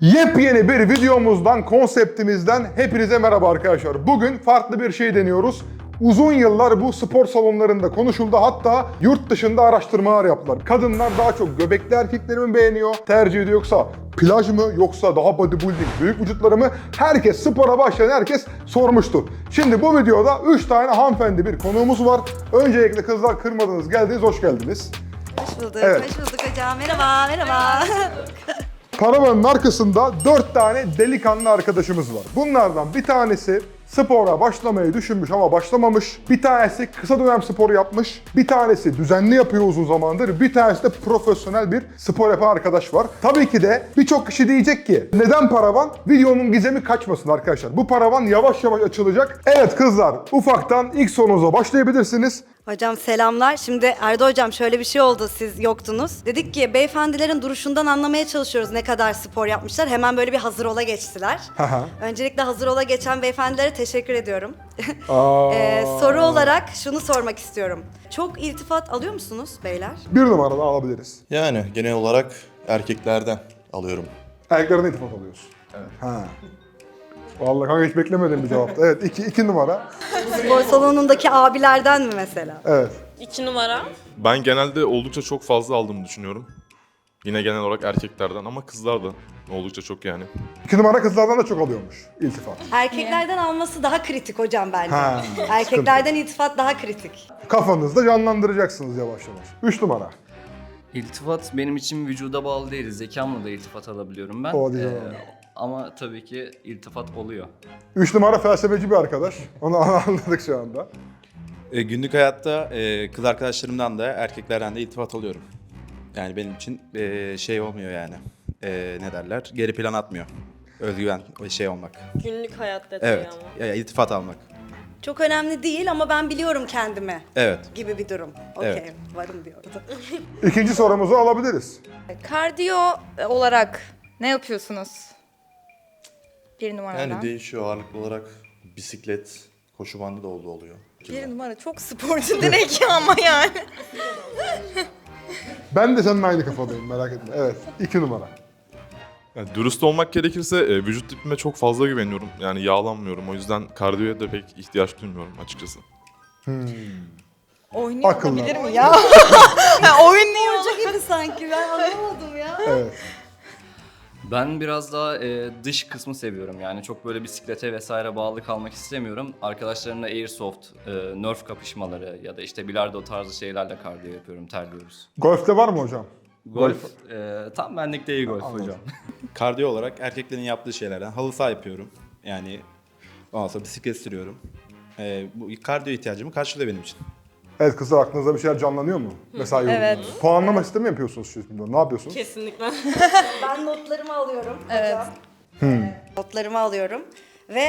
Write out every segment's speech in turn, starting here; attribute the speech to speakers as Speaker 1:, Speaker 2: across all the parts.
Speaker 1: Yepyeni bir videomuzdan, konseptimizden hepinize merhaba arkadaşlar. Bugün farklı bir şey deniyoruz. Uzun yıllar bu spor salonlarında konuşuldu. Hatta yurt dışında araştırmalar yaptılar. Kadınlar daha çok göbekli erkekleri mi beğeniyor, tercih ediyor, yoksa plaj mı, yoksa daha bodybuilding, büyük vücutları mı? Herkes, spora başlayan herkes sormuştu. Şimdi bu videoda 3 tane hanımefendi bir konuğumuz var. Öncelikle kızlar, kırmadınız, geldiniz, hoş geldiniz.
Speaker 2: Hoş bulduk,
Speaker 1: Evet.
Speaker 2: hoş bulduk hocam. Merhaba, merhaba.
Speaker 1: Paravanın arkasında 4 tane delikanlı arkadaşımız var. Bunlardan bir tanesi spora başlamayı düşünmüş ama başlamamış. Bir tanesi kısa dönem sporu yapmış. Bir tanesi düzenli yapıyor uzun zamandır. Bir tanesi de profesyonel bir spor yapan arkadaş var. Tabii ki de birçok kişi diyecek ki neden paravan? Videonun gizemi kaçmasın arkadaşlar. Bu paravan yavaş yavaş açılacak. Evet kızlar, ufaktan ilk sorunuza başlayabilirsiniz.
Speaker 2: Hocam selamlar. Şimdi Erdo hocam şöyle bir şey oldu, siz yoktunuz. Dedik ki beyefendilerin duruşundan anlamaya çalışıyoruz ne kadar spor yapmışlar. Hemen böyle bir hazır ola geçtiler. Öncelikle hazır ola geçen beyefendilere teşekkür ediyorum. Soru olarak şunu sormak istiyorum. Çok iltifat alıyor musunuz beyler?
Speaker 1: Bir numarada alabiliriz.
Speaker 3: Yani genel olarak erkeklerden alıyorum.
Speaker 1: Erkeklerden iltifat alıyorsun. Evet. Ha. Vallahi kanka hiç beklemedim bir cevaptı. Evet, iki numara.
Speaker 2: Spor salonundaki abilerden mi mesela?
Speaker 1: Evet.
Speaker 4: 2 numara.
Speaker 5: Ben genelde oldukça çok fazla aldığımı düşünüyorum. Yine genel olarak erkeklerden ama kızlar da oldukça çok yani.
Speaker 1: 2 numara kızlardan da çok alıyormuş iltifat.
Speaker 2: Erkeklerden alması daha kritik hocam bence.
Speaker 1: Ha,
Speaker 2: Erkeklerden iltifat daha kritik.
Speaker 1: Kafanızda canlandıracaksınız yavaş yavaş. 3 numara.
Speaker 6: İltifat benim için vücuda bağlı değil. Zekamla da iltifat alabiliyorum ben.
Speaker 1: O değil,
Speaker 6: Ama tabii ki iltifat oluyor.
Speaker 1: 3 numara felsefeci bir arkadaş. Onu anladık şu anda.
Speaker 3: Günlük hayatta kız arkadaşlarımdan da erkeklerden de iltifat alıyorum. Yani benim için şey olmuyor yani. Ne derler? Geri plan atmıyor. Özgüven ve şey olmak.
Speaker 4: Günlük hayat detayı
Speaker 3: Evet.
Speaker 4: ama.
Speaker 3: İltifat almak.
Speaker 2: Çok önemli değil ama ben biliyorum kendimi
Speaker 3: Evet.
Speaker 2: gibi bir durum. Okey,
Speaker 3: Evet.
Speaker 2: varım diyordu.
Speaker 1: İkinci sorumuzu alabiliriz.
Speaker 7: Kardiyo olarak ne yapıyorsunuz? Bir numaradan.
Speaker 3: Yani değişiyor ağırlıklı olarak. Bisiklet, koşu bandı da oluyor.
Speaker 7: Bir numara çok sporcu direkt ya ama yani.
Speaker 1: Ben de seninle aynı kafadayım, merak etme. Evet, 2 numara.
Speaker 5: Yani dürüst olmak gerekirse vücut tipime çok fazla güveniyorum. Yani yağlanmıyorum. O yüzden kardiyoya da pek ihtiyaç duymuyorum açıkçası.
Speaker 7: Oynuyor
Speaker 1: Akıllı.
Speaker 7: olabilir mi ya? Oynuyor.
Speaker 2: Hoca gibi sanki, ben anlamadım ya.
Speaker 1: Evet.
Speaker 6: Ben biraz daha dış kısmı seviyorum. Yani çok böyle bisiklete vesaire bağlı kalmak istemiyorum. Arkadaşlarımla airsoft, nerf kapışmaları ya da işte bilardo tarzı şeylerle kardiyo yapıyorum, terliyoruz.
Speaker 1: Golf'te var mı hocam?
Speaker 6: Golf, tam benlik değil golf hocam.
Speaker 3: Kardiyo olarak erkeklerin yaptığı şeylerden halı saha yapıyorum. Yani ondan sonra bisiklet sürüyorum. Bu kardiyo ihtiyacımı karşılıyor benim için.
Speaker 1: Evet kızlar, aklınızda bir şeyler canlanıyor mu? Mesela
Speaker 7: Evet.
Speaker 1: puanlama sistemi mi yapıyorsunuz şimdi? Ne yapıyorsunuz?
Speaker 4: Kesinlikle.
Speaker 2: Ben notlarımı alıyorum
Speaker 7: Evet.
Speaker 2: hocam. Notlarımı alıyorum ve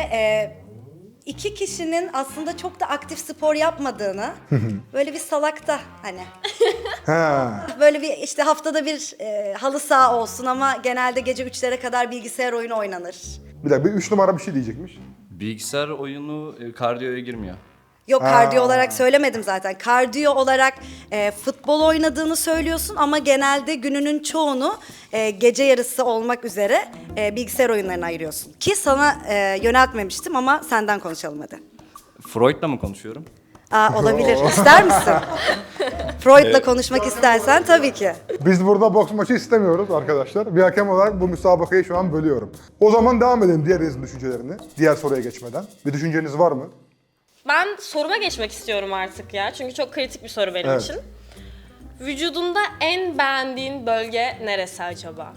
Speaker 2: iki kişinin aslında çok da aktif spor yapmadığını, böyle bir salakta hani.
Speaker 1: Ha.
Speaker 2: Böyle bir işte haftada bir halı saha olsun ama genelde gece 3'lere kadar bilgisayar oyunu oynanır.
Speaker 1: Bir dakika, 3 numara bir şey diyecekmiş.
Speaker 6: Bilgisayar oyunu kardiyoya girmiyor.
Speaker 2: Yok, kardiyo olarak söylemedim zaten. Kardiyo olarak futbol oynadığını söylüyorsun ama genelde gününün çoğunu gece yarısı olmak üzere bilgisayar oyunlarına ayırıyorsun. Ki sana yöneltmemiştim ama senden konuşalım hadi.
Speaker 6: Freud'la mı konuşuyorum?
Speaker 2: Olabilir. İster misin? Freud'la konuşmak istersen tabii ki.
Speaker 1: Biz burada boks maçı istemiyoruz arkadaşlar. Bir hakem olarak bu müsabakayı şu an bölüyorum. O zaman devam edelim diğerinizin düşüncelerini. Diğer soruya geçmeden. Bir düşünceniz var mı?
Speaker 4: Ben soruma geçmek istiyorum artık ya. Çünkü çok kritik bir soru benim
Speaker 1: Evet.
Speaker 4: için. Vücudunda en beğendiğin bölge neresi acaba?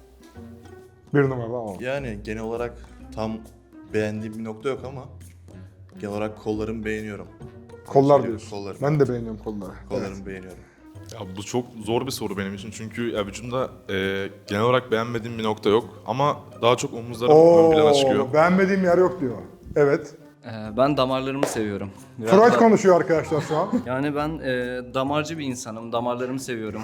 Speaker 1: 1 numara ama.
Speaker 3: Yani genel olarak tam beğendiğim bir nokta yok ama genel olarak kollarımı beğeniyorum.
Speaker 1: Kollar diyorsun.
Speaker 3: Kollarım.
Speaker 1: Ben de beğeniyorum kolları.
Speaker 3: Kollarımı beğeniyorum.
Speaker 5: Ya bu çok zor bir soru benim için çünkü ya vücudumda genel olarak beğenmediğim bir nokta yok ama daha çok omuzlarım ön plana çıkıyor.
Speaker 1: Beğenmediğim yer yok diyor. Evet.
Speaker 6: Ben damarlarımı seviyorum. Biraz
Speaker 1: Freud
Speaker 6: da-
Speaker 1: konuşuyor arkadaşlar şu an.
Speaker 6: Yani ben damarcı bir insanım. Damarlarımı seviyorum.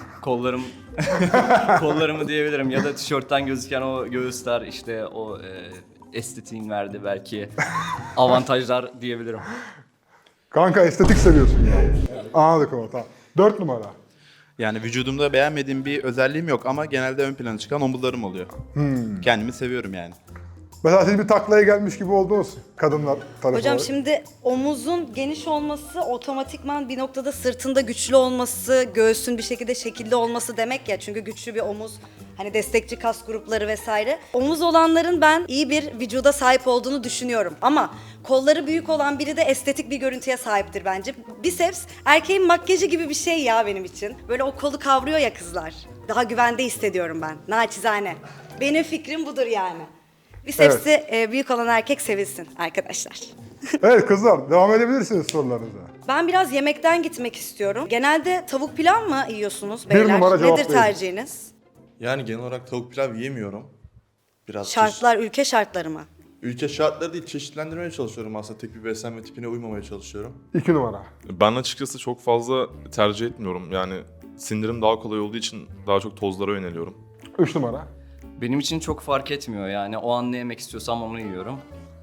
Speaker 6: Kollarımı diyebilirim. Ya da tişörtten gözüken o göğüsler, işte o estetiğin verdiği belki avantajlar diyebilirim.
Speaker 1: Kanka estetik seviyorsun yani. Anladık onu, tamam. 4 numara.
Speaker 3: Yani vücudumda beğenmediğim bir özelliğim yok ama genelde ön plana çıkan omuzlarım oluyor. Kendimi seviyorum yani.
Speaker 1: Mesela siz bir taklaya gelmiş gibi oldunuz kadınlar tarafı
Speaker 2: Hocam
Speaker 1: olarak.
Speaker 2: şimdi omuzun geniş olması otomatikman bir noktada sırtında güçlü olması, göğsün bir şekilde şekilli olması demek ya. Çünkü güçlü bir omuz, hani destekçi kas grupları vesaire. Omuz olanların ben iyi bir vücuda sahip olduğunu düşünüyorum. Ama kolları büyük olan biri de estetik bir görüntüye sahiptir bence. Biceps erkeğin makyajı gibi bir şey ya benim için. Böyle o kolu kavruyor ya kızlar. Daha güvende hissediyorum ben. Naçizane. Benim fikrim budur yani. Bicepsi büyük olan erkek sevilsin arkadaşlar.
Speaker 1: Evet kızlar, devam edebilirsiniz sorularınıza.
Speaker 2: Ben biraz yemekten gitmek istiyorum. Genelde tavuk pilav mı yiyorsunuz
Speaker 1: Bir
Speaker 2: beyler?
Speaker 1: numara
Speaker 2: Nedir
Speaker 1: cevaplayın.
Speaker 2: tercihiniz?
Speaker 8: Yani genel olarak tavuk pilav yiyemiyorum. Biraz
Speaker 2: Şartlar, ülke şartları mı?
Speaker 8: ülke şartları değil, çeşitlendirmeye çalışıyorum aslında. Tek bir beslenme tipine uymamaya çalışıyorum.
Speaker 1: 2 numara.
Speaker 5: Ben açıkçası çok fazla tercih etmiyorum. Yani sindirim daha kolay olduğu için daha çok tozlara yöneliyorum.
Speaker 1: 3 numara.
Speaker 6: Benim için çok fark etmiyor yani. O an ne yemek istiyorsam onu yiyorum.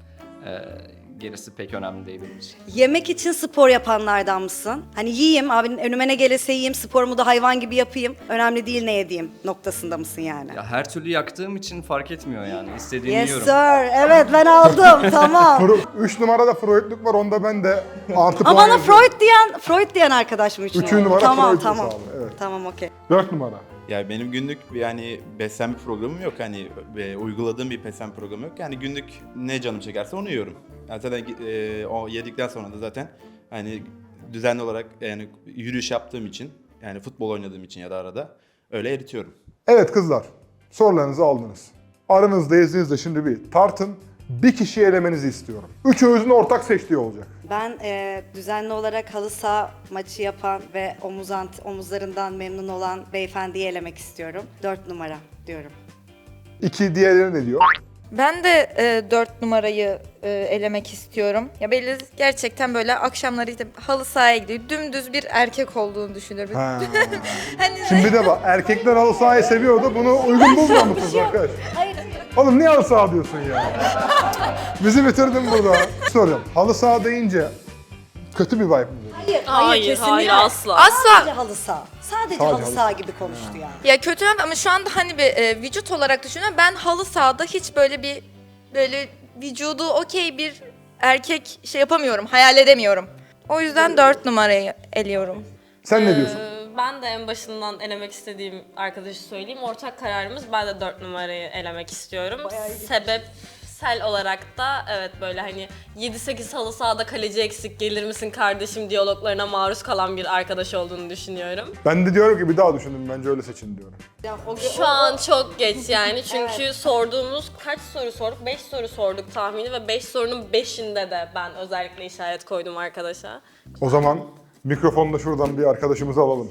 Speaker 6: Gerisi pek önemli değil benim için.
Speaker 2: Yemek için spor yapanlardan mısın? Hani yiyeyim, abi önüme ne gelirse yiyeyim, sporumu da hayvan gibi yapayım. Önemli değil ne yediğim noktasında mısın yani?
Speaker 6: Ya her türlü yaktığım için fark etmiyor yani. İstediğimi
Speaker 2: Yes
Speaker 6: yiyorum.
Speaker 2: sir, evet ben aldım, tamam.
Speaker 1: 3 numarada Freudluk var, onda ben de artı
Speaker 2: Ama
Speaker 1: puan
Speaker 2: bana
Speaker 1: yazıyorum.
Speaker 2: Freud diyen arkadaşım için.
Speaker 1: 3. numara
Speaker 2: Tamam,
Speaker 1: Freud
Speaker 2: tamam.
Speaker 1: hesabı, evet.
Speaker 2: Tamam, okey.
Speaker 1: 4 numara.
Speaker 3: Yani benim günlük yani beslenme programım yok. Hani uyguladığım bir beslenme programı yok. Yani günlük ne canım çekerse onu yiyorum. Yani zaten o yedikten sonra da zaten hani düzenli olarak yani yürüyüş yaptığım için, yani futbol oynadığım için ya da arada öyle eritiyorum.
Speaker 1: Evet kızlar, sorularınızı aldınız. Aranızda izninizle şimdi bir tartın. Bir kişiyi elemenizi istiyorum. Üçünüzün ortak seçtiği olacak.
Speaker 2: Ben düzenli olarak halı saha maçı yapan ve omuzlarından memnun olan beyefendiyi elemek istiyorum. 4 numara diyorum.
Speaker 1: 2 diğerleri ne diyor?
Speaker 7: Ben de 4 numarayı elemek istiyorum. Ya belli gerçekten böyle akşamları işte halı sahaya gidiyor. Dümdüz bir erkek olduğunu düşünüyorum.
Speaker 1: Ha.
Speaker 7: Hani
Speaker 1: Şimdi de bak, erkekler halı sahayı seviyordu. Bunu uygun bulmuyor musunuz arkadaş?
Speaker 2: Hayır.
Speaker 1: Oğlum niye halı saha diyorsun ya? Bizi bitirdin burada. Soruyorum. Halı saha deyince kötü bir vibe mi veriyor?
Speaker 4: Hayır,
Speaker 2: kesinlikle.
Speaker 4: hayır, asla.
Speaker 2: Sadece halı saha. Sadece
Speaker 1: Sadece
Speaker 2: halı
Speaker 1: halı
Speaker 2: saha gibi konuştu yani.
Speaker 7: ya kötü ama şu anda hani bir vücut olarak düşünüyorum. Ben halı sahada hiç böyle vücudu okey bir erkek şey yapamıyorum, hayal edemiyorum. O yüzden 4 numarayı eliyorum.
Speaker 1: Sen ne diyorsun?
Speaker 4: Ben de en başından elemek istediğim arkadaşı söyleyeyim. Ortak kararımız, ben de 4 numarayı elemek istiyorum. Sebepsel olarak da evet böyle hani 7-8 halı sahada kaleci eksik gelir misin kardeşim diyaloglarına maruz kalan bir arkadaş olduğunu düşünüyorum.
Speaker 1: Ben de diyorum ki bir daha düşünün, bence öyle seçin diyorum.
Speaker 4: Şu an çok geç yani çünkü sorduğumuz kaç soru sorduk? 5 soru sorduk tahmini ve 5 sorunun 5'inde de ben özellikle işaret koydum arkadaşa.
Speaker 1: O zaman mikrofonu da şuradan bir arkadaşımızı alalım.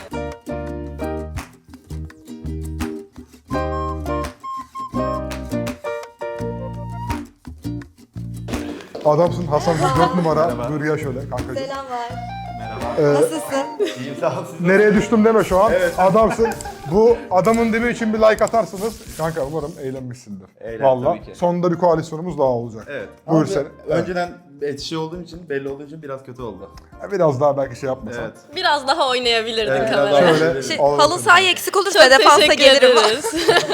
Speaker 1: Adamsın Hasan, 4 numara. Buyur ya şöyle kankacığım.
Speaker 2: Selamlar. Nasılsın?
Speaker 1: Nereye düştüm deme şu an. Adamsın. Bu adamın dibi için bir like atarsınız. Kanka umarım eğlenmişsindir. Vallahi.
Speaker 3: tabii ki.
Speaker 1: Sonunda bir koalisyonumuz daha olacak.
Speaker 3: Evet.
Speaker 1: Buyur
Speaker 3: Ama
Speaker 1: sen.
Speaker 3: önceden şey olduğum için, belli olduğu için biraz kötü oldu.
Speaker 1: Biraz daha belki şey yapmasan.
Speaker 3: Evet.
Speaker 4: Biraz daha oynayabilirdin
Speaker 3: Evet,
Speaker 4: kamerayı.
Speaker 1: Şöyle
Speaker 7: Halı
Speaker 1: alalım.
Speaker 7: sahaya eksik olursa
Speaker 4: Çok
Speaker 7: defansa
Speaker 4: teşekkür
Speaker 7: gelirim.
Speaker 4: ederiz.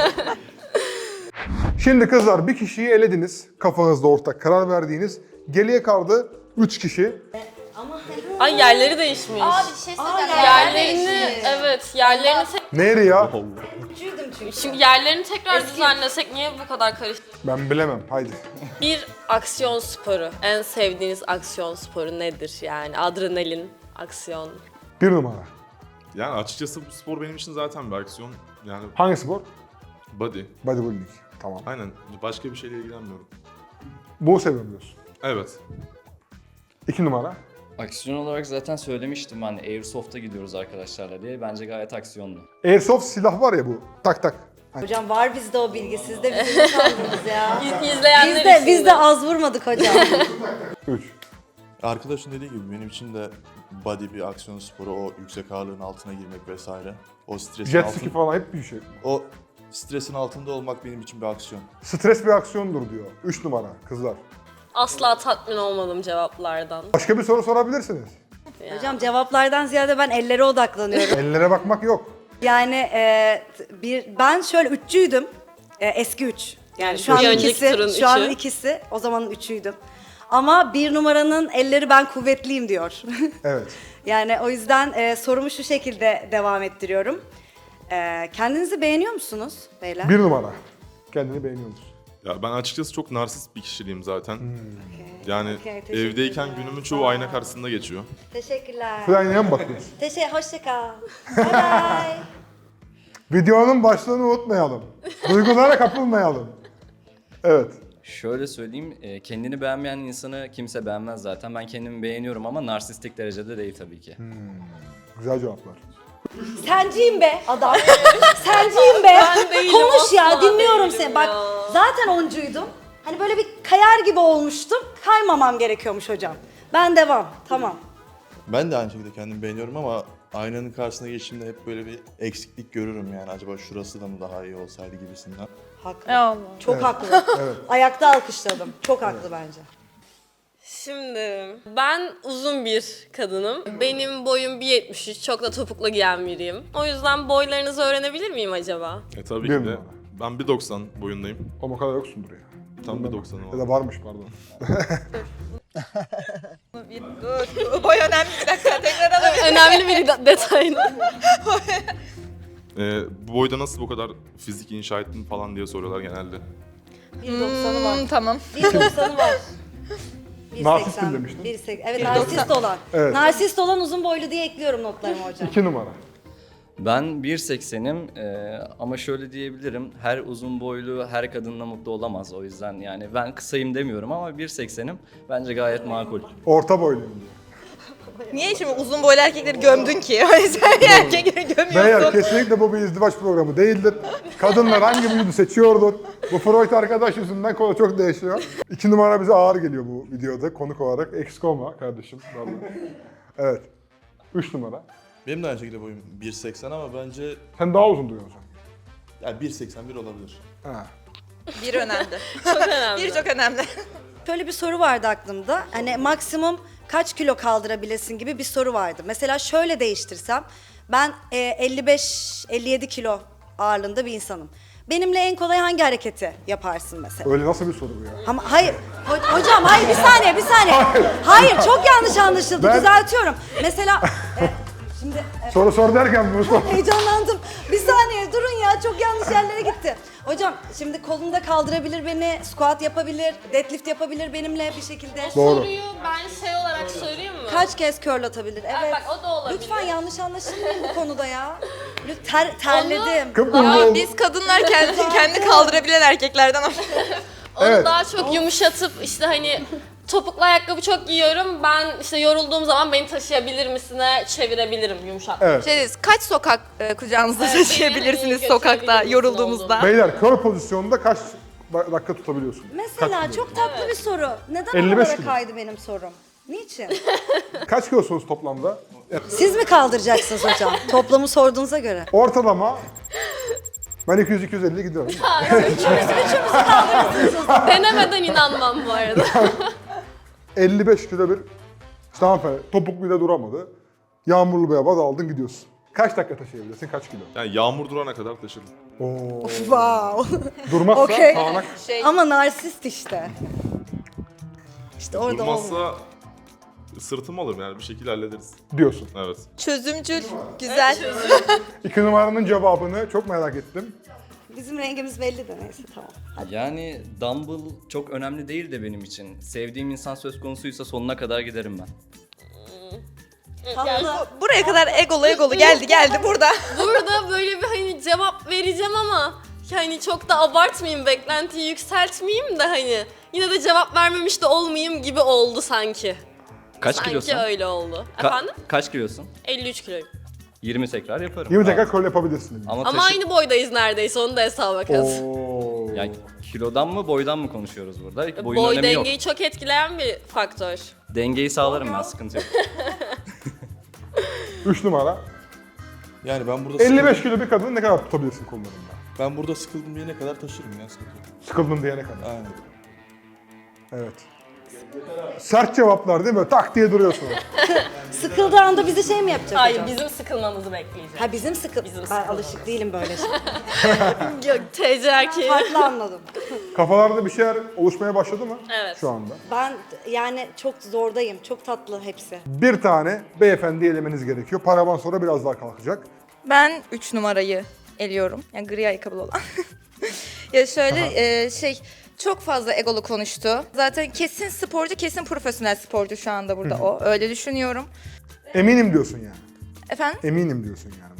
Speaker 1: Şimdi kızlar bir kişiyi elediniz. Kafanızda ortak karar verdiğiniz. Geriye kaldı 3 kişi.
Speaker 4: Ay yerleri değişmiş. Yerlerini yerlerini
Speaker 1: Neydi ya?
Speaker 2: Üzüldüm çünkü.
Speaker 4: şimdi yerlerini tekrar düzenlesek niye bu kadar karışık?
Speaker 1: Ben bilemem. Haydi.
Speaker 4: Bir aksiyon sporu. En sevdiğiniz aksiyon sporu nedir yani? Adrenalin, aksiyon.
Speaker 1: 1 numara.
Speaker 5: Yani açıkçası bu spor benim için zaten bir aksiyon. Yani
Speaker 1: Hangi spor?
Speaker 5: body.
Speaker 1: Bodybuilding. Tamam.
Speaker 5: Aynen. Başka bir şeyle ilgilenmiyorum.
Speaker 1: Bu seviyorum diyorsun.
Speaker 5: Evet.
Speaker 1: 2 numara.
Speaker 6: Aksiyon olarak zaten söylemiştim hani Airsoft'a gidiyoruz arkadaşlarla diye. Bence gayet aksiyonlu.
Speaker 1: Airsoft silah var ya bu. Tak tak.
Speaker 2: Hocam var bizde o bilgi, siz de bizi mi sandınız ya?
Speaker 4: İzleyenler için
Speaker 2: Biz de az vurmadık hocam.
Speaker 1: 3.
Speaker 8: Arkadaşın dediği gibi benim için de body bir aksiyon sporu, o yüksek ağırlığın altına girmek vesaire. O stresin
Speaker 1: Jet ski falan hep bir şey.
Speaker 8: o stresin altında olmak benim için bir aksiyon.
Speaker 1: Stres bir aksiyondur diyor. 3 numara kızlar.
Speaker 4: Asla tatmin olmadım cevaplardan.
Speaker 1: Başka bir soru sorabilirsiniz.
Speaker 2: Hocam cevaplardan ziyade ben ellere odaklanıyorum.
Speaker 1: Ellere bakmak yok.
Speaker 2: Yani ben şöyle üççüydüm. Eski üç. Yani şu an
Speaker 4: Bir önceki
Speaker 2: ikisi,
Speaker 4: turun
Speaker 2: şu an
Speaker 4: üçü.
Speaker 2: ikisi. O zamanın üçüydüm. Ama bir numaranın elleri ben kuvvetliyim diyor.
Speaker 1: Evet.
Speaker 2: Yani o yüzden sorumu şu şekilde devam ettiriyorum. Kendinizi beğeniyor musunuz beyler?
Speaker 1: 1 numara. Kendini beğeniyor musun?
Speaker 5: Ya ben açıkçası çok narsist bir kişiliğim zaten. Yani
Speaker 2: Okey, teşekkür
Speaker 5: evdeyken
Speaker 2: ederim.
Speaker 5: günümün çoğu ayna karşısında geçiyor.
Speaker 2: Teşekkürler.
Speaker 1: Şu aynaya mı bakıyorsun?
Speaker 2: Hoşça kal. Bye bye.
Speaker 1: Videonun başlığını unutmayalım. Duygulara kapılmayalım. Evet.
Speaker 6: Şöyle söyleyeyim, kendini beğenmeyen insanı kimse beğenmez zaten. Ben kendimi beğeniyorum ama narsistik derecede değil tabii ki.
Speaker 1: Güzel cevaplar.
Speaker 2: Senciyim be adam. Senciyim be.
Speaker 4: Ben değilim,
Speaker 2: Konuş ya,
Speaker 4: asla
Speaker 2: dinliyorum
Speaker 4: değilim
Speaker 2: seni. Bak
Speaker 4: ya.
Speaker 2: zaten oncuydum. Hani böyle bir kayar gibi olmuştum. Kaymamam gerekiyormuş hocam. Ben devam. Tamam.
Speaker 8: Ben de aynı şekilde kendimi beğeniyorum ama aynanın karşısına geçtiğimde hep böyle bir eksiklik görürüm yani. Acaba şurası da mı daha iyi olsaydı gibisinden.
Speaker 2: Haklı.
Speaker 7: Allah.
Speaker 2: Çok haklı. Ayakta alkışladım. Çok haklı bence.
Speaker 4: Şimdi ben uzun bir kadınım. Benim boyum 1.73, çok da topuklu giyen biriyim. O yüzden boylarınızı öğrenebilir miyim acaba?
Speaker 5: Tabii
Speaker 1: Bir
Speaker 5: ki de.
Speaker 1: numara.
Speaker 5: Ben 1.90 boyundayım.
Speaker 1: Ama o kadar yoksundur ya.
Speaker 5: Tam 1.90'ım
Speaker 1: Ya
Speaker 5: var.
Speaker 1: da varmış pardon.
Speaker 7: Dur. Boy önemli, bir dakika tekrar alabilirim.
Speaker 4: Önemli bir detaydı.
Speaker 5: Bu boyda nasıl bu kadar fizik inşa ettin falan diye soruyorlar genelde.
Speaker 2: 1.90'ı var.
Speaker 7: Tamam.
Speaker 2: 1.90'ı var.
Speaker 1: Narsistim demiştin.
Speaker 2: 1.80. Evet, narsist olan.
Speaker 1: Evet.
Speaker 2: Narsist olan uzun boylu diye ekliyorum notlarıma hocam.
Speaker 1: 2 numara.
Speaker 6: Ben 1.80'im ama şöyle diyebilirim, her uzun boylu her kadınla mutlu olamaz. O yüzden yani ben kısayım demiyorum ama 1.80'im bence gayet makul.
Speaker 1: Orta boyluyum diyor.
Speaker 7: Niye şimdi uzun boylu erkekleri gömdün ki? Hani sen erkekleri gömüyorsun.
Speaker 1: Beyler kesinlikle bu bir izdivaç programı değildir. Kadınlar hangi vücudu seçiyordur? Bu Freud arkadaş yüzünden konu çok değişiyor. 2 numara bize ağır geliyor bu videoda konuk olarak. Eksik olma kardeşim. Vallahi. Evet. 3 numara.
Speaker 8: Benim de aynı şekilde boyum 1.80 ama bence
Speaker 1: Sen daha uzun duruyorsun.
Speaker 8: yani 1.81 olabilir.
Speaker 1: Ha.
Speaker 7: Bir önemli.
Speaker 4: Çok önemli.
Speaker 7: Bir çok önemli.
Speaker 2: Şöyle bir soru vardı aklımda. Hani maksimum kaç kilo kaldırabilesin gibi bir soru vardı. Mesela şöyle değiştirsem, ben 55-57 kilo ağırlığında bir insanım. Benimle en kolay hangi hareketi yaparsın mesela?
Speaker 1: Öyle nasıl bir soru bu ya?
Speaker 2: Ama hayır, hocam hayır, bir saniye. Hayır, çok yanlış anlaşıldı.
Speaker 1: Ben-
Speaker 2: Düzeltiyorum. Mesela şimdi
Speaker 1: Soru sor derken bunu sor.
Speaker 2: heyecanlandım. Bir saniye durun ya, çok yanlış yerlere gitti. Hocam şimdi kolunda kaldırabilir beni, squat yapabilir, deadlift yapabilir benimle bir şekilde.
Speaker 1: Doğru.
Speaker 4: Soruyu ben şey olarak sorayım mı?
Speaker 2: Kaç kez curl atabilir? Evet.
Speaker 4: bak, o da olabilir.
Speaker 2: Lütfen yanlış anlaşılmayın bu konuda ya. terledim.
Speaker 1: Kıpkırmızı
Speaker 7: Ya
Speaker 1: oldu.
Speaker 7: biz kadınlar kendi kaldırabilen erkeklerden
Speaker 4: Onu
Speaker 1: Evet.
Speaker 4: daha çok yumuşatıp işte hani topuklu ayakkabı çok giyiyorum. Ben işte yorulduğum zaman beni taşıyabilir misine çevirebilirim yumuşak.
Speaker 1: Evet.
Speaker 7: kaç sokak kucağınızda
Speaker 4: Evet,
Speaker 7: taşıyabilirsiniz
Speaker 4: beni
Speaker 7: sokakta
Speaker 4: götürebilir
Speaker 7: yorulduğumuzda?
Speaker 1: Beyler kör pozisyonda kaç dakika tutabiliyorsun?
Speaker 2: Mesela
Speaker 1: Kaç
Speaker 2: çok tatlı bir soru. Neden
Speaker 1: 55
Speaker 2: oralara
Speaker 1: kilo.
Speaker 2: kaydı benim sorum? Niçin?
Speaker 1: Kaç kilosunuz toplamda?
Speaker 2: Siz mi kaldıracaksınız hocam? Toplamı sorduğunuza göre.
Speaker 1: Ortalama ben 200-250 gidiyorum.
Speaker 4: Denemeden inanmam bu arada.
Speaker 1: 55 kilo bir işte hanımefendi topuk bile duramadı. Yağmurlu bir hava da aldın gidiyorsun. Kaç dakika taşıyabilirsin, kaç kilo?
Speaker 5: Yani yağmur durana kadar taşırım.
Speaker 1: Oo.
Speaker 2: Wow.
Speaker 1: Durmazsa
Speaker 2: Okey.
Speaker 1: sağanak
Speaker 2: Ama narsist işte. İşte orada olmuyor.
Speaker 5: Durmazsa sırtım alırım yani bir şekilde hallederiz.
Speaker 1: diyorsun.
Speaker 5: Evet.
Speaker 7: Çözümcül, güzel.
Speaker 1: 2 numaranın cevabını çok merak ettim.
Speaker 2: Bizim rengimiz belli de neyse tamam.
Speaker 6: Yani dumbbell çok önemli değil de benim için. Sevdiğim insan söz konusuysa sonuna kadar giderim ben.
Speaker 2: Tatlı.
Speaker 7: Buraya kadar egolu geldi burada.
Speaker 4: Burada böyle bir hani cevap vereceğim ama hani çok da abartmayayım, beklentiyi yükseltmeyeyim de hani yine de cevap vermemiş de olmayayım gibi oldu sanki.
Speaker 6: Kaç
Speaker 4: Sanki
Speaker 6: kilosun?
Speaker 4: öyle oldu.
Speaker 6: Ka-
Speaker 4: Efendim?
Speaker 6: Kaç kilosun?
Speaker 4: 53 kiloyum.
Speaker 6: 20 tekrar yaparım.
Speaker 1: 20 tekrar
Speaker 6: Rahat.
Speaker 1: curl yapabilirsin.
Speaker 6: Ama,
Speaker 4: Ama
Speaker 6: taşı-
Speaker 4: aynı boydayız neredeyse, onu da hesaba kat.
Speaker 1: Oo.
Speaker 6: Yani kilodan mı boydan mı konuşuyoruz burada? Boyun
Speaker 4: Boy
Speaker 6: önemi yok.
Speaker 4: dengeyi çok etkileyen bir faktör.
Speaker 6: Dengeyi sağlarım ben, sıkıntı yok.
Speaker 1: 3 numara.
Speaker 8: Yani ben burada
Speaker 1: 55 kilo bir kadını ne kadar tutabilirsin kollarında?
Speaker 8: ben burada sıkıldım diyene kadar taşırım ya sıkıntı yok.
Speaker 1: Sıkıldın diyene kadar.
Speaker 8: Aynen.
Speaker 1: Evet. Sert cevaplar değil mi? Tak diye duruyorsun.
Speaker 2: Sıkıldığı anda bizi şey mi yapacak
Speaker 4: Hayır,
Speaker 2: hocam?
Speaker 4: bizim sıkılmamızı bekleyecek.
Speaker 2: Ha bizim sıkıl...
Speaker 4: Bizim
Speaker 2: ben
Speaker 4: sıkılmamız.
Speaker 2: alışık değilim böyle şey.
Speaker 4: Yok, TC erkeği.
Speaker 2: Farklı anladım.
Speaker 1: Kafalarda bir şeyler oluşmaya başladı mı?
Speaker 4: Evet.
Speaker 1: Şu anda.
Speaker 2: Ben yani çok zordayım. Çok tatlı hepsi.
Speaker 1: Bir tane beyefendi elemeniz gerekiyor. Paravan sonra biraz daha kalkacak.
Speaker 7: Ben 3 numarayı eliyorum. Yani gri ayakkabılı olan. Ya şöyle çok fazla egolu konuştu. Zaten kesin sporcu, kesin profesyonel sporcu şu anda burada o. Öyle düşünüyorum.
Speaker 1: Eminim diyorsun yani.
Speaker 7: Efendim?
Speaker 1: Eminim diyorsun yani.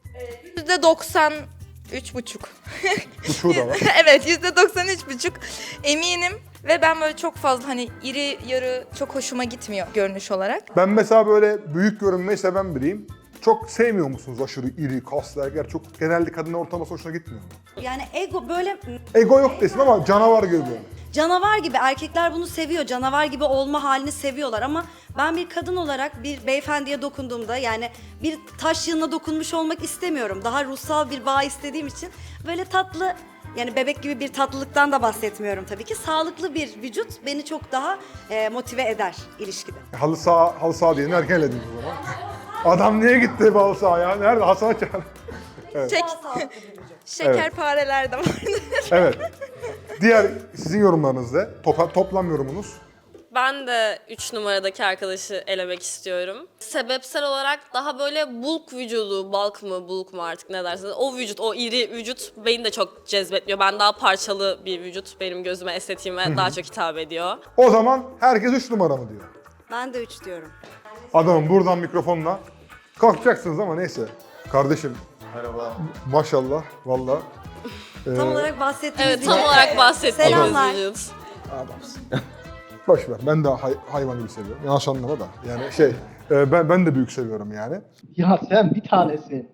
Speaker 7: %93,5.
Speaker 1: Uçuğu da var.
Speaker 7: Evet, %93,5 eminim. Ve ben böyle çok fazla hani iri yarı çok hoşuma gitmiyor görünüş olarak.
Speaker 1: Ben mesela böyle büyük görünmeyi seven biriyim. Çok sevmiyor musunuz aşırı iri, kaslı erkekler? Çok genelde kadın ortalaması hoşuna gitmiyor mu?
Speaker 2: Yani ego böyle
Speaker 1: Ego yok desin ama canavar gibi böyle.
Speaker 2: canavar gibi, erkekler bunu seviyor. Canavar gibi olma halini seviyorlar ama ben bir kadın olarak bir beyefendiye dokunduğumda yani bir taş yığınına dokunmuş olmak istemiyorum. Daha ruhsal bir bağ istediğim için böyle tatlı, yani bebek gibi bir tatlılıktan da bahsetmiyorum tabii ki. Sağlıklı bir vücut beni çok daha motive eder ilişkide.
Speaker 1: Halı saha diyelim erken elediniz o zaman. Adam niye gitti bu halı sahaya? Nerede? Hasan'a çağır.
Speaker 7: Şekerpareler de vardı.
Speaker 1: Evet. Diğer sizin yorumlarınız ne? Toplam yorumunuz.
Speaker 4: Ben de 3 numaradaki arkadaşı elemek istiyorum. Sebepsel olarak daha böyle bulk vücudu, bulk mu artık ne dersiniz? O vücut, o iri vücut beni de çok cezbetmiyor. Ben daha parçalı bir vücut benim gözüme, estetiğime daha çok hitap ediyor.
Speaker 1: O zaman herkes 3 numara mı diyor?
Speaker 2: Ben de 3 diyorum.
Speaker 1: Adamım buradan mikrofonla kalkacaksınız ama neyse. Kardeşim
Speaker 8: Merhaba.
Speaker 1: maşallah valla.
Speaker 2: Tam olarak bahsettiğimiz
Speaker 4: Evet, tam olarak bahsettiğimiz
Speaker 2: Selamlar.
Speaker 4: vücut.
Speaker 1: Adamsın. Boş ver. Ben de hayvan gibi seviyorum. Yanlış anlama da. Yani ben de büyük seviyorum yani.
Speaker 9: Ya sen bir tanesin.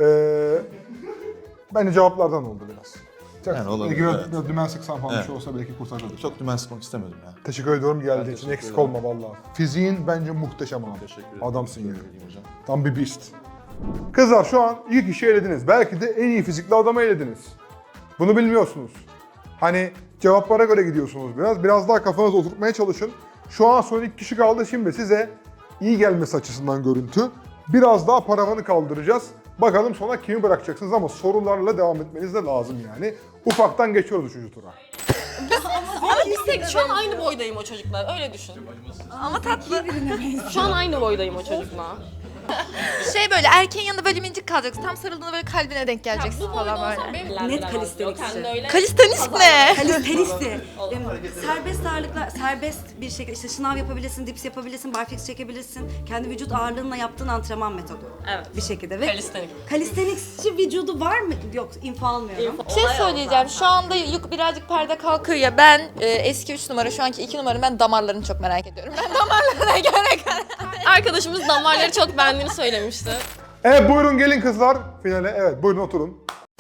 Speaker 1: Bence cevaplardan oldu biraz.
Speaker 8: Yani olabilir,
Speaker 1: Biraz,
Speaker 8: evet.
Speaker 1: biraz dümen sıksan falan bir
Speaker 8: Evet.
Speaker 1: şey olsa belki kurtarırdı.
Speaker 8: Çok dümen sıkmak istemedim ya.
Speaker 1: Teşekkür ediyorum geldiğin için.
Speaker 8: teşekkür
Speaker 1: Eksik
Speaker 8: ederim.
Speaker 1: olma valla. Fiziğin bence muhteşem abi.
Speaker 8: Teşekkür ederim.
Speaker 1: Adamsın yani.
Speaker 8: Teşekkür ederim hocam.
Speaker 1: Tam bir beast. Kızlar şu an ilk kişi elediniz. Belki de en iyi fizikli adamı elediniz. Bunu bilmiyorsunuz. Hani cevaplara göre gidiyorsunuz biraz. Biraz daha kafanızı oturtmaya çalışın. Şu an son iki kişi kaldı. Şimdi size iyi gelmesi açısından görüntü. Biraz daha paravanı kaldıracağız. Bakalım sonra kimi bırakacaksınız ama sorularla devam etmeniz de lazım yani. Ufaktan geçiyoruz 3. tura.
Speaker 4: Ama biz şu an aynı boydayım o çocuklar, öyle düşün.
Speaker 7: Ama tatlı.
Speaker 4: Şu an aynı boydayım o çocukla.
Speaker 7: Böyle erkeğin yanında böyle minicik kalacaksın. Tam sarıldığında böyle kalbine denk geleceksin falan böyle.
Speaker 2: Net kalistenikçi.
Speaker 7: Kalistenik ne?
Speaker 2: Kalistenisi. Serbest ağırlıklar, serbest bir şekilde işte şınav yapabilirsin, dips yapabilirsin, barfix çekebilirsin. Kendi vücut ağırlığınla yaptığın antrenman metodu.
Speaker 4: Evet.
Speaker 2: Bir şekilde. Ve
Speaker 4: Kalistenik.
Speaker 2: kalistenikçi vücudu var mı? Yok, info almıyorum.
Speaker 7: Bir şey söyleyeceğim. Şu anda birazcık perde kalkıyor ya. Ben eski 3 numara, şu anki 2 numara, ben damarlarını çok merak ediyorum. Ben damarlarına göre
Speaker 4: Arkadaşımız damarları çok beğendiğini söylemişti.
Speaker 1: Evet buyurun gelin kızlar finale. Evet buyurun oturun.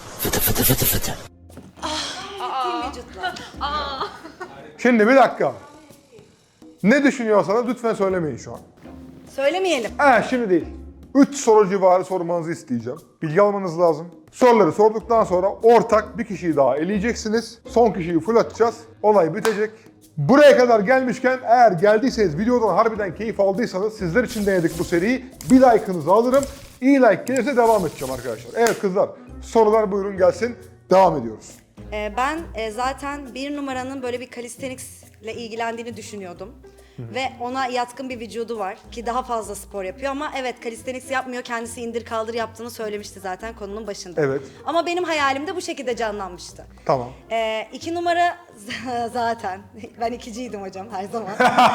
Speaker 1: Şimdi bir dakika. Ne düşünüyorsanız lütfen söylemeyin şu an.
Speaker 2: Söylemeyelim.
Speaker 1: Şimdi değil. 3 soru civarı sormanızı isteyeceğim. Bilgi almanız lazım. Soruları sorduktan sonra ortak bir kişiyi daha eleyeceksiniz. Son kişiyi full atacağız. Olay bitecek. Buraya kadar gelmişken eğer geldiyseniz, videodan harbiden keyif aldıysanız sizler için denedik bu seriyi. Bir like'ınızı alırım. İyi like gelirse devam edeceğim arkadaşlar. Evet kızlar sorular buyurun gelsin. Devam ediyoruz.
Speaker 2: Ben zaten 1 numaranın böyle bir calisthenics'le ilgilendiğini düşünüyordum. Ve ona yatkın bir vücudu var ki daha fazla spor yapıyor ama evet calisthenics yapmıyor. Kendisi indir kaldır yaptığını söylemişti zaten konunun başında.
Speaker 1: Evet.
Speaker 2: Ama benim hayalimde bu şekilde canlanmıştı.
Speaker 1: Tamam.
Speaker 2: 2 numara zaten. Ben ikiciydim hocam her zaman.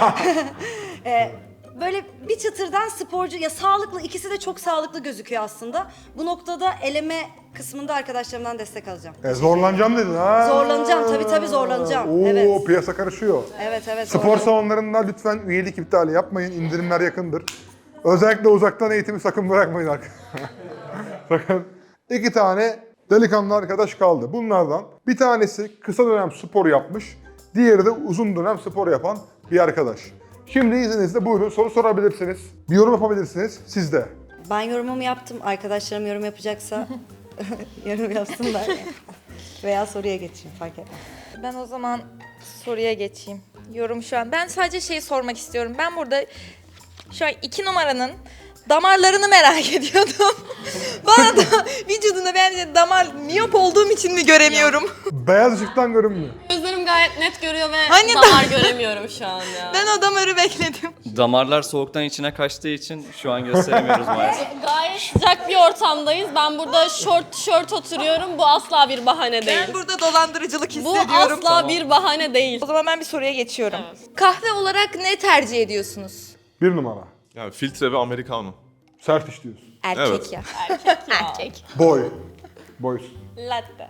Speaker 2: Böyle bir çıtırdan sporcu ya sağlıklı, ikisi de çok sağlıklı gözüküyor aslında. Bu noktada eleme kısmında arkadaşlarımdan destek alacağım.
Speaker 1: Zorlanacağım dedin ha.
Speaker 2: Zorlanacağım, tabii zorlanacağım.
Speaker 1: Oo,
Speaker 2: Evet.
Speaker 1: piyasa karışıyor.
Speaker 2: Evet.
Speaker 1: Spor
Speaker 2: zorlanacağım.
Speaker 1: salonlarında lütfen üyelik iptali yapmayın. İndirimler yakındır. Özellikle uzaktan eğitimi sakın bırakmayın arkadaşlar. Sakın. 2 tane delikanlı arkadaş kaldı. Bunlardan bir tanesi kısa dönem spor yapmış. Diğeri de uzun dönem spor yapan bir arkadaş. Şimdi izninizle buyurun soru sorabilirsiniz. Bir yorum yapabilirsiniz. Siz de.
Speaker 2: Ben yorumumu yaptım. Arkadaşlarım yorum yapacaksa yorum yapsınlar. Veya soruya geçeyim fark etmez.
Speaker 7: Ben o zaman soruya geçeyim. yorum şu an. Ben sadece şeyi sormak istiyorum. Ben burada şu an 2 numaranın damarlarını merak ediyordum. Bana da vücudunda bence damar miyop olduğum için mi göremiyorum?
Speaker 1: Beyaz ışıktan görünmüyor.
Speaker 4: Gözlerim gayet net görüyor ve
Speaker 7: Hani
Speaker 4: damar göremiyorum şu an ya.
Speaker 7: Ben o damarı bekledim.
Speaker 6: Damarlar soğuktan içine kaçtığı için şu an gösteremiyoruz maalesef.
Speaker 4: Gayet sıcak bir ortamdayız. Ben burada şort tişört oturuyorum. Bu asla bir bahane değil.
Speaker 7: Ben burada dolandırıcılık
Speaker 4: Bu
Speaker 7: hissediyorum.
Speaker 4: asla bir bahane değil.
Speaker 7: O zaman ben bir soruya geçiyorum. Kahve olarak ne tercih ediyorsunuz?
Speaker 1: 1 numara.
Speaker 5: Yani filtre ve americano.
Speaker 1: Sert iş diyorsun.
Speaker 7: Erkek
Speaker 5: Evet.
Speaker 7: ya.
Speaker 4: Erkek.
Speaker 1: Boy. Boy.
Speaker 4: Latte.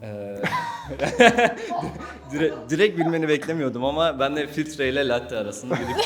Speaker 6: Direkt bilmeni beklemiyordum ama ben de filtre ile latte arasında gidip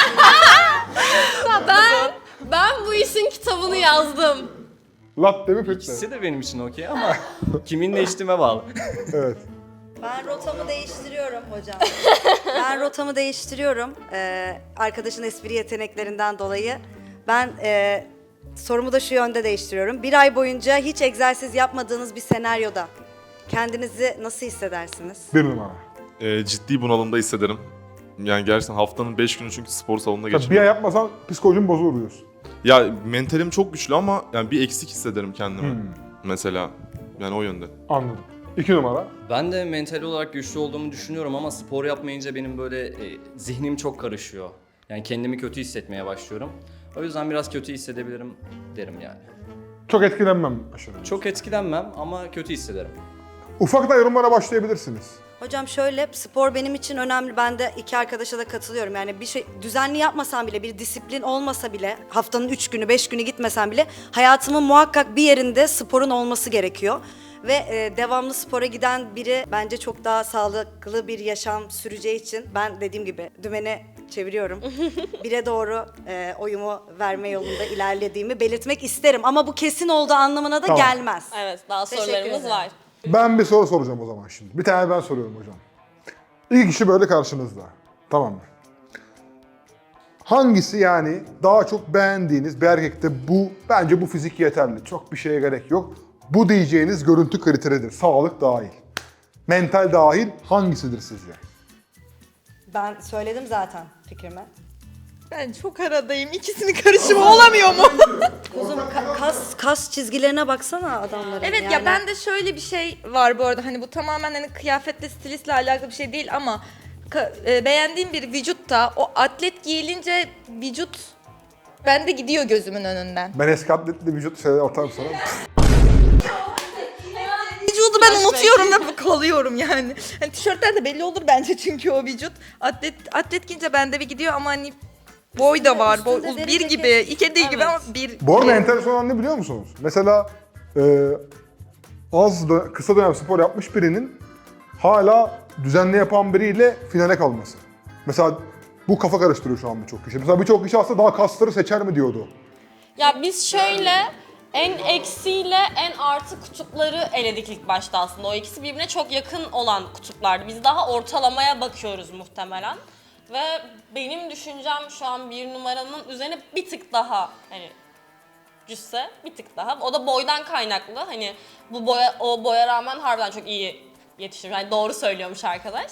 Speaker 4: Ben bu işin kitabını yazdım.
Speaker 1: Latte mi filtre?
Speaker 6: ikisi de benim için okey ama kiminle içtiğime bağlı.
Speaker 1: Evet.
Speaker 2: Ben rotamı değiştiriyorum hocam. Ben rotamı değiştiriyorum. Arkadaşın espri yeteneklerinden dolayı. Ben sorumu da şu yönde değiştiriyorum. 1 ay boyunca hiç egzersiz yapmadığınız bir senaryoda kendinizi nasıl hissedersiniz?
Speaker 1: 1 numara.
Speaker 5: Ciddi bunalımda hissederim. Yani gerçekten haftanın 5 günü çünkü spor salonunda
Speaker 1: Tabii bir ay
Speaker 5: geçiriyorum.
Speaker 1: yapmasan psikolojin bozulur diyorsun.
Speaker 5: Ya mentalim çok güçlü ama yani bir eksik hissederim kendimi. Mesela. Yani o yönde.
Speaker 1: Anladım. 2 numara.
Speaker 6: Ben de mental olarak güçlü olduğumu düşünüyorum ama spor yapmayınca benim böyle zihnim çok karışıyor. Yani kendimi kötü hissetmeye başlıyorum. O yüzden biraz kötü hissedebilirim derim yani.
Speaker 1: Çok etkilenmem aşırı.
Speaker 6: Çok etkilenmem ama kötü hissederim.
Speaker 1: Ufaktan yorumlara başlayabilirsiniz.
Speaker 2: Hocam şöyle, spor benim için önemli. Ben de 2 arkadaşa da katılıyorum. Yani bir şey düzenli yapmasam bile, bir disiplin olmasa bile, haftanın 3 günü, 5 günü gitmesem bile hayatımın muhakkak bir yerinde sporun olması gerekiyor. Ve devamlı spora giden biri bence çok daha sağlıklı bir yaşam süreceği için ben dediğim gibi dümeni çeviriyorum. 1'e doğru oyumu verme yolunda ilerlediğimi belirtmek isterim. Ama bu kesin olduğu anlamına da
Speaker 1: Tamam.
Speaker 2: gelmez.
Speaker 4: Evet, daha
Speaker 2: Teşekkür
Speaker 4: sorularımız
Speaker 2: ederim.
Speaker 4: var.
Speaker 1: Ben bir soru soracağım o zaman şimdi. Bir tane ben soruyorum hocam. İlk kişi böyle karşınızda. Tamam mı? Hangisi yani daha çok beğendiğiniz bir erkekte bence bu fizik yeterli. Çok bir şeye gerek yok. Bu diyeceğiniz görüntü kriteridir. Sağlık dahil. Mental dahil hangisidir sizce?
Speaker 2: Ben söyledim zaten fikrimi.
Speaker 7: Ben çok aradayım. İkisinin karışımı olamıyor mu?
Speaker 2: Kuzum kas çizgilerine baksana adamların.
Speaker 7: Evet
Speaker 2: yani.
Speaker 7: ya bende şöyle bir şey var bu arada. Hani bu tamamen hani kıyafetle, stilistle alakalı bir şey değil ama beğendiğim bir vücutta o atlet giyilince vücut bende gidiyor gözümün önünden.
Speaker 1: Ben eski atletli vücut şeyler atarım sana.
Speaker 7: Vücudu ben unutuyorum ve kalıyorum yani. Hani tişörtler de belli olur bence çünkü o vücut. Atlet giyince bende bir gidiyor ama hani boy da var.
Speaker 2: Üstünde deri
Speaker 7: Bir
Speaker 2: ceket.
Speaker 7: gibi, iki değil gibi ama bir.
Speaker 1: Bu arada enteresan olan ne biliyor musunuz? Mesela kısa dönem spor yapmış birinin hala düzenli yapan biriyle finale kalması. Mesela bu kafa karıştırıyor şu an birçok kişi. Mesela birçok kişi aslında daha kasları seçer mi diyordu.
Speaker 4: Ya biz şöyle en eksiyle en artı kutupları eledik ilk başta aslında. O ikisi birbirine çok yakın olan kutuplardı. Biz daha ortalamaya bakıyoruz muhtemelen. Ve benim düşüncem şu an 1 numaranın üzerine bir tık daha hani cüsse bir tık daha. O da boydan kaynaklı. Hani o boya rağmen harbiden çok iyi yetişir. Yani doğru söylüyormuş arkadaş.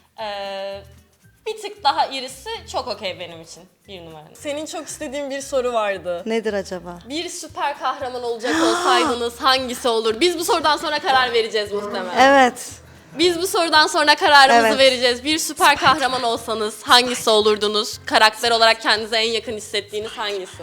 Speaker 4: Bir tık daha irisi çok okey benim için 1 numaranın. Senin çok istediğin bir soru vardı.
Speaker 2: Nedir acaba?
Speaker 4: Bir süper kahraman olacak olsaydınız hangisi olur? Biz bu sorudan sonra karar vereceğiz muhtemelen.
Speaker 2: Evet.
Speaker 4: Biz bu sorudan sonra kararımızı
Speaker 2: Evet.
Speaker 4: vereceğiz. Bir süper kahraman olsanız hangisi olurdunuz? Karakter olarak kendinize en yakın hissettiğiniz hangisi?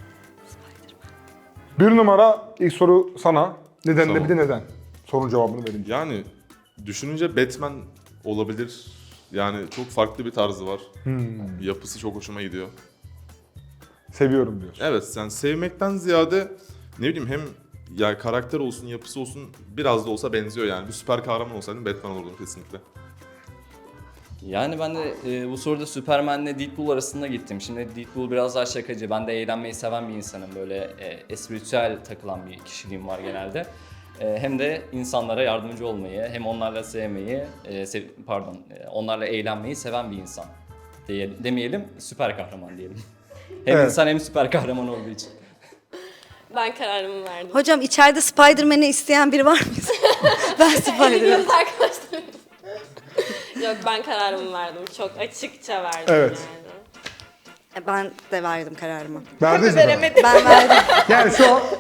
Speaker 1: 1 numara ilk soru sana. Neden
Speaker 5: Tamam.
Speaker 1: bir de neden? Sorunun cevabını verince.
Speaker 5: Yani düşününce Batman olabilir. Yani çok farklı bir tarzı var. Yapısı çok hoşuma gidiyor.
Speaker 1: Seviyorum diyorsun.
Speaker 5: Evet, yani sevmekten ziyade ne bileyim hem ya karakter olsun, yapısı olsun biraz da olsa benziyor yani. Bir süper kahraman olsaydım Batman olurdum kesinlikle.
Speaker 6: Yani ben de bu soruda Superman'le Deadpool arasında gittim. Şimdi Deadpool biraz daha şakacı. Ben de eğlenmeyi seven bir insanım. Böyle espritüel takılan bir kişiliğim var genelde. Hem de insanlara yardımcı olmayı, hem onlarla sevmeyi, onlarla eğlenmeyi seven bir insan. Demeyelim, süper kahraman diyelim. Hem
Speaker 1: Evet.
Speaker 6: insan hem süper kahraman olduğu için.
Speaker 4: Ben kararımı verdim.
Speaker 2: Hocam içeride Spider-Man'i isteyen biri var mı? Ben Spider-Man.
Speaker 4: Gidiyoruz arkadaşlar. Yok ben kararımı verdim. Çok açıkça verdim
Speaker 1: Evet.
Speaker 4: yani.
Speaker 2: Ben de verdim kararımı.
Speaker 1: Verdiniz mi?
Speaker 7: Veremedim.
Speaker 2: Ben verdim.
Speaker 1: Yani şu an...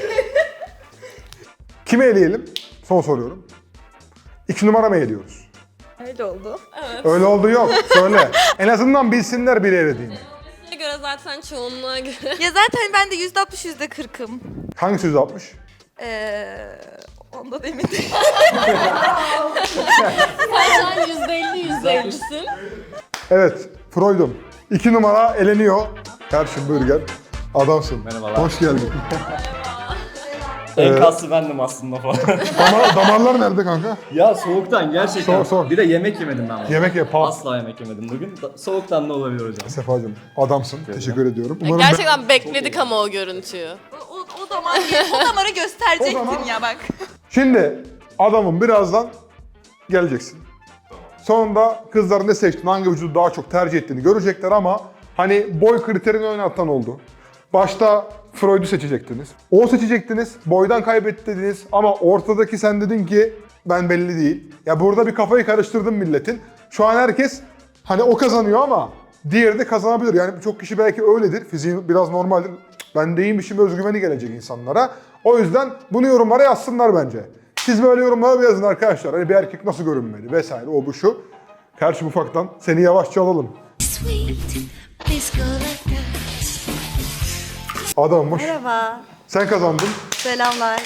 Speaker 1: Kimi eleyelim? Son soruyorum. 2 numara mı eliyoruz?
Speaker 7: Öyle oldu.
Speaker 1: Öyle oldu yok. Söyle. En azından bilsinler biri elediğini.
Speaker 4: Buna göre zaten çoğunluğa göre.
Speaker 7: Ya zaten ben de %60 %40'ım.
Speaker 1: Hangisi 160?
Speaker 7: Onda da emin değilim.
Speaker 4: Sen şu an %50-%50'sin.
Speaker 1: Evet. Freud'um. 2 numara eleniyor. Karşım Burger. Adamsın.
Speaker 6: Merhabalar.
Speaker 1: Hoş geldin.
Speaker 6: En kaslı bendim aslında falan.
Speaker 1: Damarlar nerede kanka?
Speaker 6: Ya soğuktan gerçekten.
Speaker 1: Soğuk.
Speaker 6: Bir de yemek yemedim ben.
Speaker 1: Yemek ye. Pas.
Speaker 6: Asla yemek yemedim bugün. Soğuktan da olabilir hocam.
Speaker 1: Sefacığım. Adamsın. Teşekkür ediyorum. Umarım
Speaker 4: Gerçekten bekledik ama o görüntüyü.
Speaker 7: O damarı gösterecektin
Speaker 1: O zaman-
Speaker 7: ya bak.
Speaker 1: Şimdi adamın birazdan geleceksin. Sonunda kızlar ne seçtiğini, hangi vücudu daha çok tercih ettiğini görecekler ama hani boy kriterini oynatan oldu. Başta Freud'u seçecektiniz. O seçecektiniz, boydan kaybetti dediniz ama ortadaki sen dedin ki ben belli değil. Ya burada bir kafayı karıştırdın milletin. Şu an herkes hani o kazanıyor ama diğeri de kazanabilir. Yani birçok kişi belki öyledir. Fiziği biraz normaldir. Ben de iyiymişim özgüveni gelecek insanlara. O yüzden bunu yorumlara yazsınlar bence. Siz böyle yorumlara bir yazın arkadaşlar. Hani bir erkek nasıl görünmeli vesaire o bu şu. Karşı ufaktan seni yavaşça alalım. Adammış.
Speaker 2: Merhaba.
Speaker 1: Sen kazandın.
Speaker 2: Selamlar.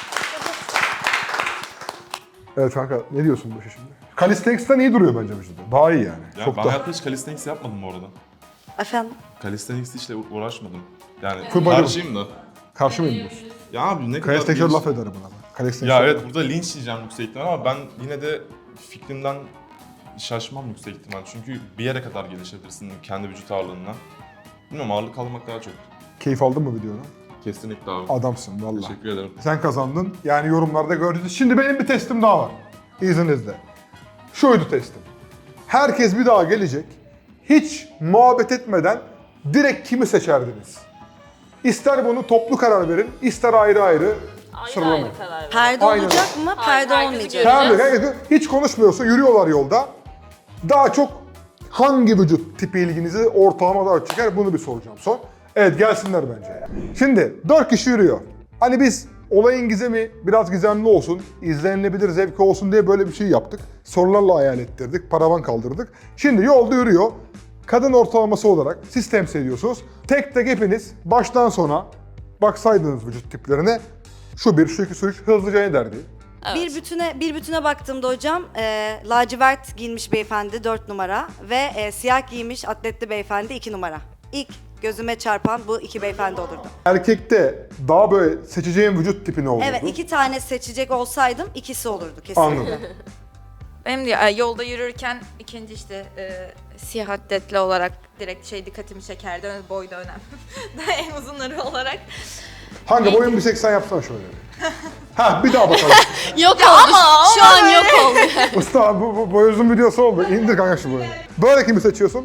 Speaker 1: Evet kanka ne diyorsun bu işe şimdi? Calisthenics'ten iyi duruyor bence vücudu. Daha iyi yani.
Speaker 5: Ya
Speaker 1: Çok
Speaker 5: ben
Speaker 1: da.
Speaker 5: hayatta hiç calisthenics yapmadım bu arada.
Speaker 2: Efendim?
Speaker 5: Calisthenics'le hiç uğraşmadım. Yani
Speaker 1: Full body.
Speaker 5: karşıyım da.
Speaker 1: Karşı mı diyorsun?
Speaker 5: Ya abi ne kadar...
Speaker 1: Calisthenics'e
Speaker 5: geniş-
Speaker 1: laf ederim buna. Calisthenics
Speaker 5: Ya evet burada linç yiyeceğim yüksek ihtimal ama ben yine de fikrimden şaşmam yüksek ihtimal. Çünkü bir yere kadar gelişebilirsin kendi vücut ağırlığından. Bilmiyorum ağırlık kaldırmak daha çok.
Speaker 1: Keyif aldın mı videodan?
Speaker 5: Kesinlikle abi.
Speaker 1: Adamsın valla.
Speaker 5: Teşekkür ederim.
Speaker 1: Sen kazandın. Yani yorumlarda gördünüz. Şimdi benim bir testim daha var. İzninizle. Şuydu testim. Herkes bir daha gelecek. Hiç muhabbet etmeden direkt kimi seçerdiniz? İster bunu toplu karar verin, ister ayrı ayrı
Speaker 4: Ayrı
Speaker 1: sıralamayın.
Speaker 4: ayrı karar ver.
Speaker 2: Perde
Speaker 1: Aynen.
Speaker 2: olacak mı?
Speaker 4: Hayır,
Speaker 2: Perde
Speaker 4: herkesi
Speaker 2: olmayacak.
Speaker 4: göreceğiz.
Speaker 1: Herkes hiç konuşmuyorsa yürüyorlar yolda. Daha çok hangi vücut tipi ilginizi ortalama daha çeker bunu bir soracağım son. Evet gelsinler bence. Şimdi 4 kişi yürüyor. Hani biz olayın gizemi biraz gizemli olsun, izlenilebilir zevki olsun diye böyle bir şey yaptık. Sorularla hayal ettirdik, paravan kaldırdık. Şimdi yolda yürüyor. Kadın ortalaması olarak siz temsil ediyorsunuz. Tek tek hepiniz baştan sona baksaydınız vücut tiplerine şu bir, şu iki, şu üç hızlıca ne derdi?
Speaker 2: Bir bütüne baktığımda hocam lacivert giyinmiş beyefendi 4 numara ve siyah giymiş atletli beyefendi 2 numara. İlk gözüme çarpan bu iki beyefendi olurdu.
Speaker 1: Erkekte daha böyle seçeceğim vücut tipi ne olurdu?
Speaker 2: Evet 2 tane seçecek olsaydım ikisi olurdu kesin.
Speaker 1: Anladım.
Speaker 7: Benim de yolda yürürken ikinci işte siyah atletli olarak direkt dikkatimi çekerdi. Boy da önemli. Daha en uzunları olarak.
Speaker 1: Hangi boyun bir 80 yapsana şöyle. Ha bir daha bakalım.
Speaker 4: Yok oldu. Şu an yok oldu.
Speaker 1: Usta bu boy uzun videosu oldu. İndir kanka şu boyunu. Böyle kimi seçiyorsun?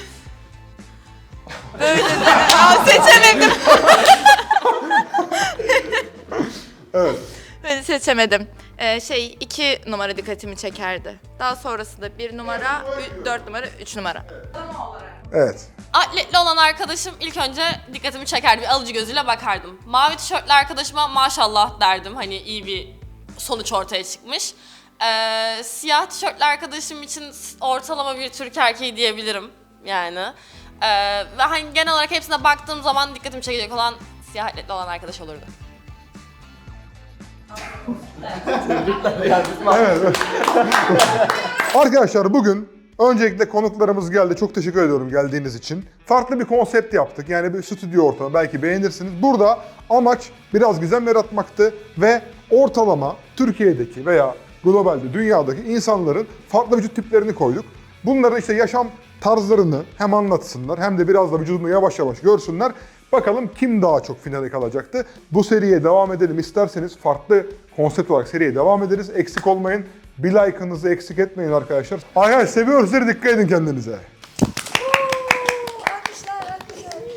Speaker 7: Seçemedim.
Speaker 1: Evet.
Speaker 7: Ben seçemedim. 2 numara dikkatimi çekerdi. Daha sonrasında 1 numara, 4 numara, 3 numara.
Speaker 1: Evet.
Speaker 4: Atletli olan arkadaşım ilk önce dikkatimi çekerdi. Bir alıcı gözüyle bakardım. Mavi tişörtlü arkadaşıma maşallah derdim. Hani iyi bir sonuç ortaya çıkmış. Siyah tişörtlü arkadaşım için ortalama bir Türk erkeği diyebilirim yani. Ve hani genel olarak hepsine baktığım zaman dikkatimi çekecek olan siyah atletli olan arkadaş olurdu.
Speaker 1: Evet. Arkadaşlar bugün öncelikle konuklarımız geldi. Çok teşekkür ediyorum geldiğiniz için. Farklı bir konsept yaptık. Yani bir stüdyo ortamı belki beğenirsiniz. Burada amaç biraz gizem yaratmaktı ve ortalama Türkiye'deki veya globalde dünyadaki insanların farklı vücut tiplerini koyduk. Bunların işte yaşam tarzlarını hem anlatsınlar hem de biraz da vücudunu yavaş yavaş görsünler. Bakalım kim daha çok finale kalacaktı. Bu seriye devam edelim isterseniz farklı konsept olarak seriye devam ederiz. Eksik olmayın. Bir like'ınızı eksik etmeyin arkadaşlar. Arkadaşlar seviyoruz sizi, dikkat edin kendinize.